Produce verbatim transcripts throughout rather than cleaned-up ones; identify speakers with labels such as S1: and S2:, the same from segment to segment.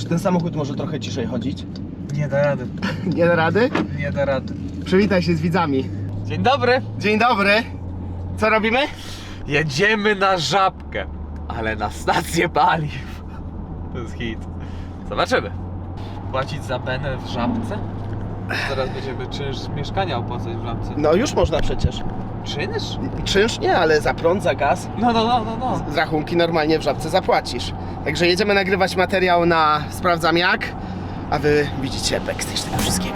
S1: ten samochód może trochę ciszej chodzić?
S2: Nie da rady.
S1: Nie da rady?
S2: Nie da rady.
S1: Przywitaj się z widzami.
S2: Dzień dobry.
S1: Dzień dobry. Co robimy?
S2: Jedziemy na Żabkę, ale na stację paliw. To jest hit. Zobaczymy. Płacić za benę w Żabce? Zaraz będziemy czynsz mieszkania opłacać w Żabce.
S1: No już można przecież.
S2: Czynsz?
S1: Czynsz nie, ale za prąd, za gaz.
S2: No, no, no, no, no.
S1: Z rachunki normalnie w Żabce zapłacisz. Także jedziemy nagrywać materiał na Sprawdzam Jak, a wy widzicie backstage tego wszystkiego.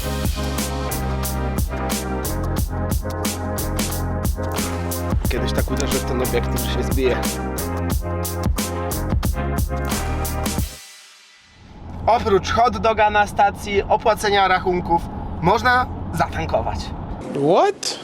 S1: Kiedyś tak uderzę w ten obiektyw, że się zbije. Oprócz hot doga na stacji, opłacenia rachunków, można zatankować.
S3: What?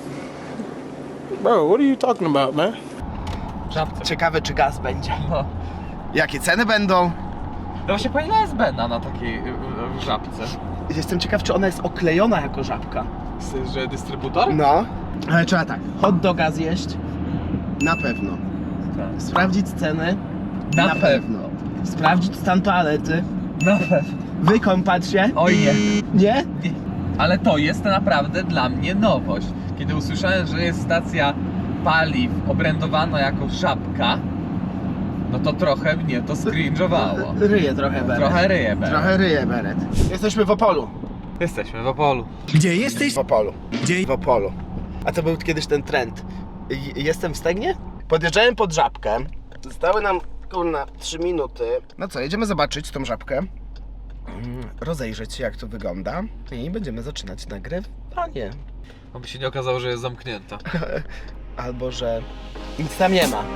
S3: Bro, what are you talking about, man?
S2: W Żabce.
S1: Ciekawe, czy gaz będzie.
S2: No.
S1: Jakie ceny będą?
S2: No właśnie, po ile jest bena na takiej w Żabce?
S1: Jestem ciekaw, czy ona jest oklejona jako żabka.
S2: Chcesz, że dystrybutor?
S1: No. Ale trzeba tak, hot doga zjeść? Na pewno.
S2: Tak.
S1: Sprawdzić ceny?
S2: Na pewno.
S1: Sprawdzić stan toalety?
S2: Na pewno.
S1: Wykąpać się?
S2: Oj nie.
S1: Nie?
S2: Nie. Ale to jest naprawdę dla mnie nowość. Kiedy usłyszałem, że jest stacja paliw obrędowana jako Żabka, no to trochę mnie to skringowało.
S1: Ryje trochę beret.
S2: Trochę ryje beret.
S1: Trochę ryje beret. Jesteśmy w Opolu.
S2: Jesteśmy w Opolu.
S4: Gdzie jesteś?
S1: W Opolu.
S4: Gdzie?
S1: W Opolu. A to był kiedyś ten trend. I- Jestem w Stegnie? Podjeżdżałem pod Żabkę. Zostały nam, kurna, trzy minuty. No co, jedziemy zobaczyć tą Żabkę. Mm, Rozejrzeć się, jak to wygląda. I będziemy zaczynać nagrywanie.
S2: Aby się nie okazało, że jest zamknięta.
S1: Albo, że nic tam nie ma.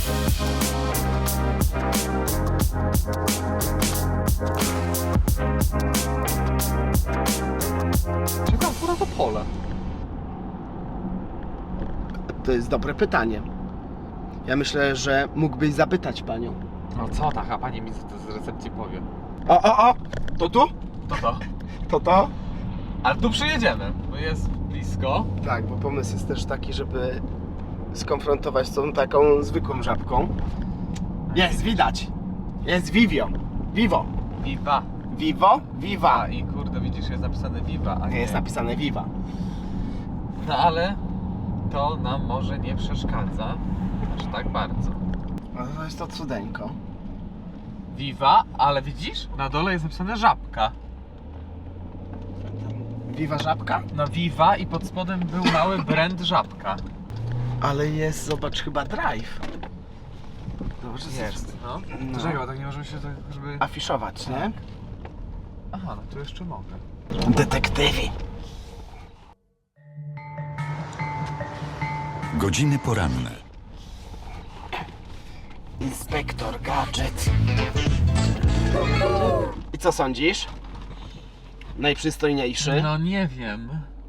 S2: Czekam akurat Opole.
S1: To jest dobre pytanie. Ja myślę, że mógłbyś zapytać panią.
S2: No co tak, a pani mi z, z recepcji powie.
S1: O, o, o! To tu?
S2: To to.
S1: To to?
S2: Ale tu przyjedziemy, bo jest blisko.
S1: Tak, bo pomysł jest też taki, żeby skonfrontować z tą taką zwykłą żabką. Jest, widać. Jest Vivio. Vivo.
S2: Viva.
S1: Vivo? Viva.
S2: A i kurde, widzisz, jest napisane Viva, a nie.
S1: Nie jest napisane Viva.
S2: No ale to nam może nie przeszkadza aż tak bardzo.
S1: No to jest to cudeńko.
S2: Viva, ale widzisz? Na dole jest napisane Żabka.
S1: Viva żabka?
S2: No Viva i pod spodem był mały brand Żabka.
S1: Ale jest, zobacz, chyba drive. Zobacz,
S2: Jest, no.
S1: No.
S2: Czekaj, bo tak nie możemy się tak, żeby...
S1: Afiszować, nie?
S2: Aha, no tu jeszcze mogę.
S1: Detektywi.
S4: Godziny poranne.
S1: Inspektor Gadżet. I co sądzisz? Najprzystojniejszy?
S2: No nie wiem.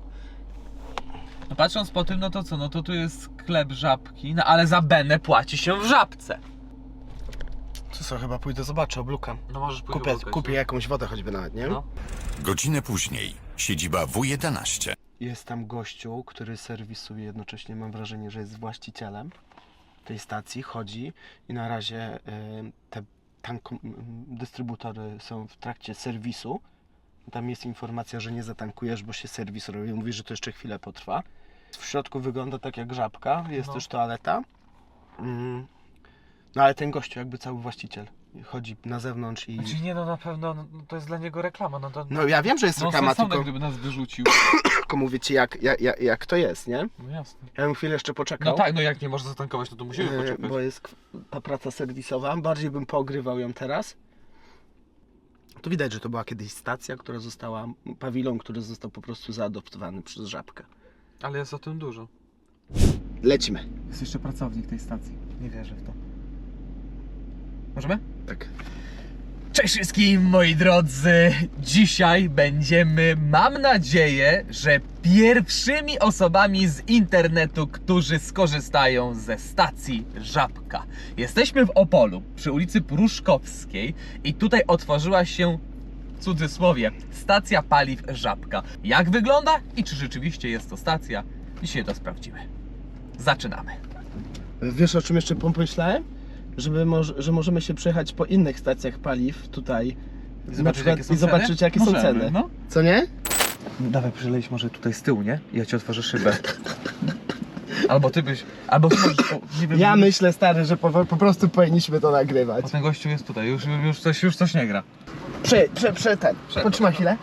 S2: No patrząc po tym, no to co, no to tu jest sklep Żabki, no ale za benę płaci się w Żabce.
S1: Co, co, chyba pójdę zobaczę, oblukam.
S2: No możesz pójść
S1: Kupię,
S2: oblukać,
S1: kupię
S2: no.
S1: jakąś wodę choćby nawet, nie?
S2: No.
S4: Godzinę później. Siedziba W jedenaście.
S1: Jest tam gościu, który serwisuje, jednocześnie mam wrażenie, że jest właścicielem tej stacji, chodzi i na razie y, te tanko, dystrybutory są w trakcie serwisu. Tam jest informacja, że nie zatankujesz, bo się serwis robi. Mówi, że to jeszcze chwilę potrwa. W środku wygląda tak jak żabka, jest
S2: No.
S1: też toaleta. Mm. No ale ten gościu jakby cały właściciel chodzi na zewnątrz i...
S2: Znaczy nie, no na pewno no, to jest dla niego reklama, no to...
S1: No ja wiem, że jest
S2: no
S1: reklama,
S2: sensowne,
S1: tylko,
S2: gdyby nas wyrzucił.
S1: tylko mówię ci jak, jak, jak, jak to jest, nie?
S2: No jasne.
S1: Ja bym chwilę jeszcze poczekał.
S2: No tak, no jak nie można zatankować, no to musimy
S1: e,
S2: poczekać.
S1: Bo jest k- ta praca serwisowa. Bardziej bym poogrywał ją teraz. To widać, że to była kiedyś stacja, która została, pawilon, który został po prostu zaadoptowany przez żabkę.
S2: Ale jest o tym dużo.
S1: Lecimy.
S2: Jest jeszcze pracownik tej stacji. Nie wierzę w to. Możemy?
S1: Tak.
S2: Cześć wszystkim moi drodzy! Dzisiaj będziemy, mam nadzieję, że pierwszymi osobami z internetu, którzy skorzystają ze stacji Żabka. Jesteśmy w Opolu, przy ulicy Pruszkowskiej i tutaj otworzyła się, w cudzysłowie, stacja paliw Żabka. Jak wygląda i czy rzeczywiście jest to stacja? Dzisiaj to sprawdzimy. Zaczynamy.
S1: Wiesz, o czym jeszcze pomyślałem? żeby moż, że możemy się przejechać po innych stacjach paliw tutaj
S2: I
S1: na przykład, i zobaczyć jakie są ceny.
S2: No.
S1: Co nie?
S2: No dawaj, przyleć może tutaj z tyłu, nie? I ja ci otworzę szybę. Albo ty byś, albo ty możesz, o, nie wiem.
S1: Ja myślę, stary, że po, po prostu powinniśmy to nagrywać.
S2: Bo ten gościu jest tutaj, już, już, coś, już coś nie gra.
S1: Prze, prze, prze ten.
S2: Prze-
S1: Potrzymaj chwilę.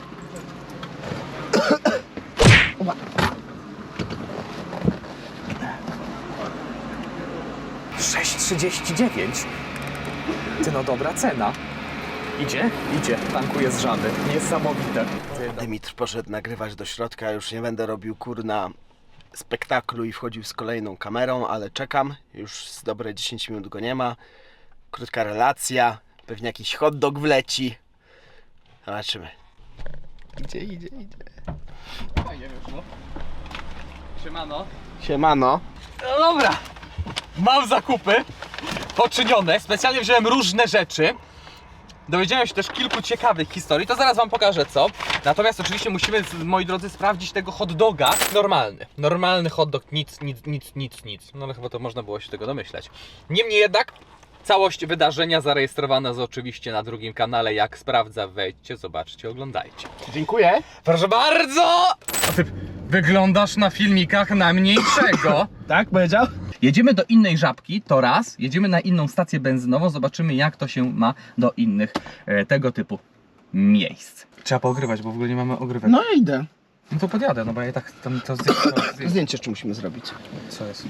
S2: sześć trzydzieści dziewięć. Ty no dobra cena. Idzie? Idzie. Tankuje z żaby. Niesamowite.
S1: Dymitr poszedł nagrywać do środka, już nie będę robił kurna spektaklu i wchodził z kolejną kamerą, ale czekam, już z dobre dziesięć minut go nie ma. Krótka relacja, pewnie jakiś hot dog wleci. Zobaczymy. Idzie, idzie, idzie.
S2: Fajnie wyszło. Siemano.
S1: Siemano.
S2: No dobra. Mam zakupy poczynione. Specjalnie wziąłem różne rzeczy. Dowiedziałem się też kilku ciekawych historii, to zaraz wam pokażę co. Natomiast oczywiście musimy, moi drodzy, sprawdzić tego hot doga. Normalny, normalny hot dog, nic, nic, nic, nic, nic. No ale chyba to można było się tego domyśleć. Niemniej jednak, całość wydarzenia zarejestrowana jest oczywiście na drugim kanale. Jak sprawdza, wejdźcie, zobaczcie, oglądajcie.
S1: Dziękuję.
S2: Proszę bardzo! A ty wyglądasz na filmikach na mniejszego.
S1: Tak powiedział?
S2: Jedziemy do innej Żabki, to raz. Jedziemy na inną stację benzynową, zobaczymy jak to się ma do innych e, tego typu miejsc. Trzeba poogrywać, bo w ogóle nie mamy ogrywek.
S1: No ja idę.
S2: No to podjadę, no bo ja tak tam to zdjęcie.
S1: Zdjęcie jeszcze musimy zrobić.
S2: Co jest?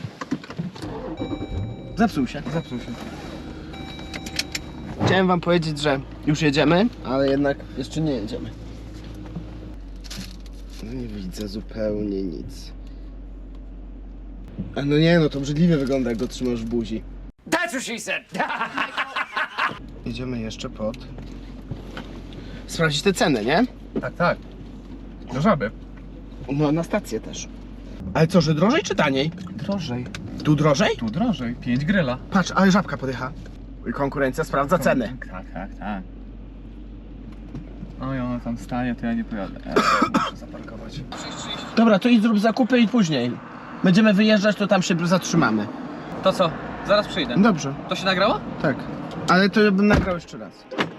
S1: Zepsuł się.
S2: Zepsuł się.
S1: Chciałem wam powiedzieć, że już jedziemy, ale jednak jeszcze nie jedziemy. No nie widzę zupełnie nic. A no nie, no to brzydliwie wygląda, jak go trzymasz w buzi.
S5: That's what she said.
S1: Jedziemy jeszcze pod... Sprawdzić te ceny, nie?
S2: Tak, tak. Do Żaby.
S1: No na stację też. Ale co, że drożej czy taniej?
S2: Drożej.
S1: Tu drożej?
S2: Tu drożej. pięć gryla.
S1: Patrz, ale Żabka podjechała. I konkurencja sprawdza ceny.
S2: Tak, tak, tak. Oj, ona tam stanie, to ja nie pojadę. Ja muszę zaparkować.
S1: Dobra, to idź zrób zakupy i później. Będziemy wyjeżdżać, to tam się zatrzymamy.
S2: To co? Zaraz przyjdę.
S1: Dobrze,
S2: To się nagrało?
S1: tak. Ale to ja bym nagrał jeszcze raz.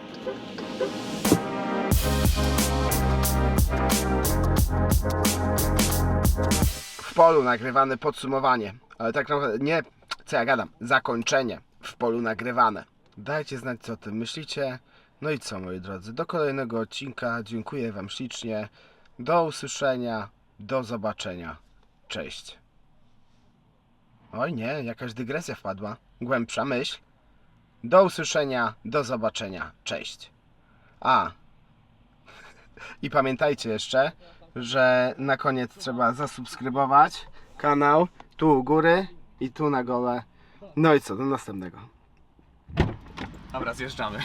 S1: W polu nagrywane podsumowanie, ale tak naprawdę nie, co ja gadam, zakończenie w polu nagrywane. Dajcie znać, co o tym myślicie. No i co, moi drodzy, do kolejnego odcinka. Dziękuję wam ślicznie. Do usłyszenia, do zobaczenia. Cześć. Oj nie, jakaś dygresja wpadła. Głębsza myśl. Do usłyszenia, do zobaczenia. Cześć. A. I pamiętajcie jeszcze, że na koniec trzeba zasubskrybować kanał. Tu u góry i tu na gole. No i co, do następnego.
S2: Dobra, zjeżdżamy.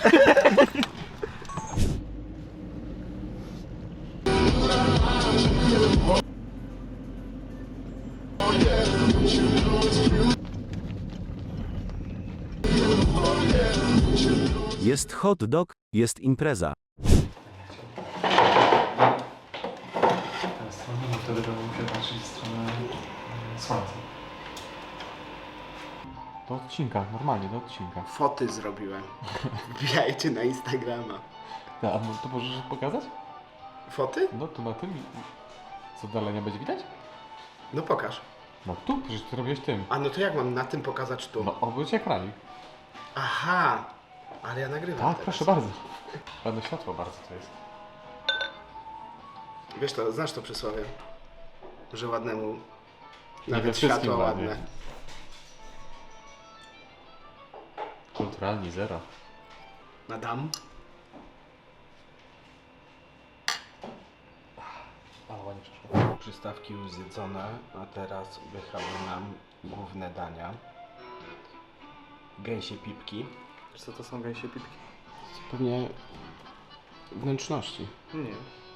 S6: Jest hot dog, jest impreza.
S7: Teraz stronę, bo wtedy będę musiał patrzeć w stronę e, słońca. Do odcinka, normalnie do odcinka.
S1: Foty zrobiłem. Wbijajcie na Instagrama.
S7: Ja, a no to możesz pokazać?
S1: Foty?
S7: No tu na tym. Co dalej nie będzie widać?
S1: No pokaż.
S7: No tu, przecież ty robiłeś tym.
S1: A no to jak mam na tym pokazać tu?
S7: No obróć ekranik.
S1: Aha. Ale ja nagrywam
S7: Tak,
S1: teraz.
S7: proszę bardzo. Ładne światło bardzo to jest.
S1: Wiesz to, znasz to przysłowie? Że ładnemu
S7: we
S1: nawet
S7: wszystkim
S1: światło
S7: ładnie.
S1: ładne.
S7: Kulturalni zero.
S1: Madame?
S7: Ale ładnie przeszło.
S1: Przystawki już zjedzone, a teraz wychały nam główne dania. Gęsie pipki.
S7: Co to są gęsie pipki?
S1: Pewnie wnętrzności.
S7: Nie.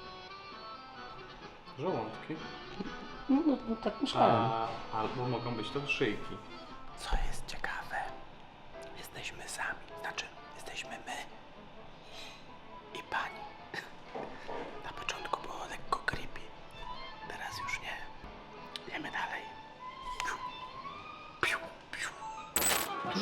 S7: Żołądki.
S1: No, no, no tak myślałem.
S7: A, albo mogą być to szyjki.
S1: Co jest ciekawe, jesteśmy sami, znaczy jesteśmy my i pani. Na początku było lekko creepy, teraz już nie. Jemy dalej. Piu, piu, piu. Dużo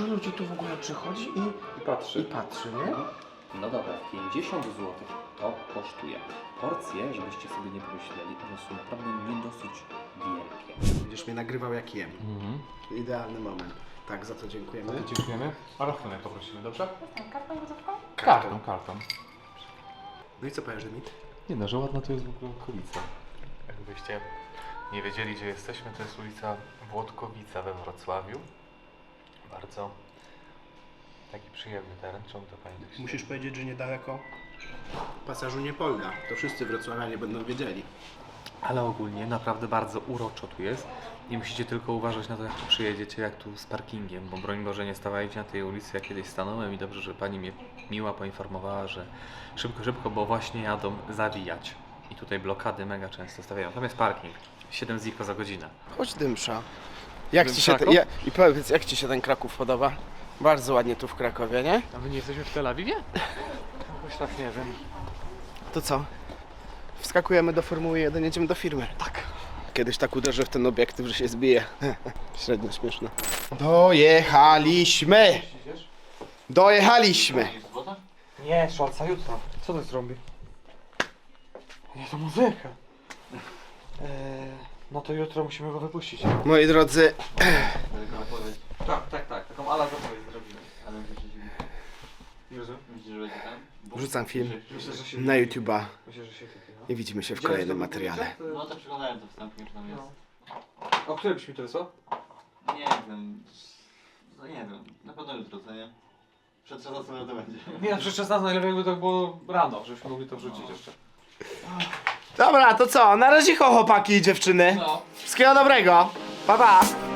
S1: dużo ludzi tu w ogóle przychodzi i,
S7: I patrzy.
S1: i patrzy, nie?
S5: No dobra, pięćdziesiąt złotych to kosztuje. Porcje, żebyście sobie nie pomyśleli, one są naprawdę nie dosyć wielkie.
S1: Będziesz mnie nagrywał jak jem.
S7: Mhm.
S1: Idealny moment. Tak, za to dziękujemy.
S7: Dziękujemy. A rachunek poprosimy, dobrze?
S8: Kartą gotówką?
S7: Kartą, kartą.
S1: No i co powiesz, Dymit?
S7: Nie no, że ładna to jest w ogóle okolica. Jakbyście nie wiedzieli, gdzie jesteśmy, to jest ulica Włodkowica we Wrocławiu. Bardzo taki przyjemny teren. Czemu to pani tak się...
S1: Musisz powiedzieć, że niedaleko pasażu Niepolna. To wszyscy wrocławianie będą wiedzieli.
S7: Ale ogólnie naprawdę bardzo uroczo tu jest. Nie musicie tylko uważać na to, jak tu przyjedziecie, jak tu z parkingiem, bo broń Boże nie stawajcie na tej ulicy, jak kiedyś stanąłem i dobrze, że pani mnie miła poinformowała, że szybko, szybko, bo właśnie jadą zawijać. I tutaj blokady mega często stawiają. Tam jest parking. siedem ziko za godzinę.
S1: Chodź, Dymsza. Jak
S7: Dym
S1: ci się te,
S7: Kraków?
S1: ja, I powiedz, jak ci się ten Kraków podoba? Bardzo ładnie tu w Krakowie, nie?
S7: A my nie jesteśmy w Tel Awiwie? Jakoś tak nie wiem.
S1: To co? Wskakujemy do Formuły jeden, jedziemy do firmy.
S7: Tak.
S1: Kiedyś tak uderzę w ten obiektyw, że się zbije. Średnio śmieszne. Dojechaliśmy! Dojechaliśmy!
S7: Nie, szalca jutro. Co to zrobi? Nie, to muzyka. Eee, no to jutro musimy go wypuścić.
S1: Moi drodzy,
S7: Tak, tak, tak. Taką ala zapowiedź zrobimy.
S5: Ale myślisz,
S7: Nie rozumiem?
S5: że będzie tam?
S1: wrzucam film
S7: Myślę, że się
S1: na YouTube'a
S7: Myślę, że się typie, no.
S1: i widzimy się w kolejnym materiale.
S5: No to przeglądałem to wstępnie, czy tam jest.
S7: O której byś mi to wysłał?
S5: Nie wiem. No nie wiem. Na pewno jutro, co nie? Przed czasem to będzie.
S7: Nie, no przecież szesnaście najlepiej jakby to było rano, żebyśmy mogli to wrzucić jeszcze.
S1: Dobra, to co? Na razie chłopaki i dziewczyny.
S7: No.
S1: Wszystkiego dobrego. Pa, pa.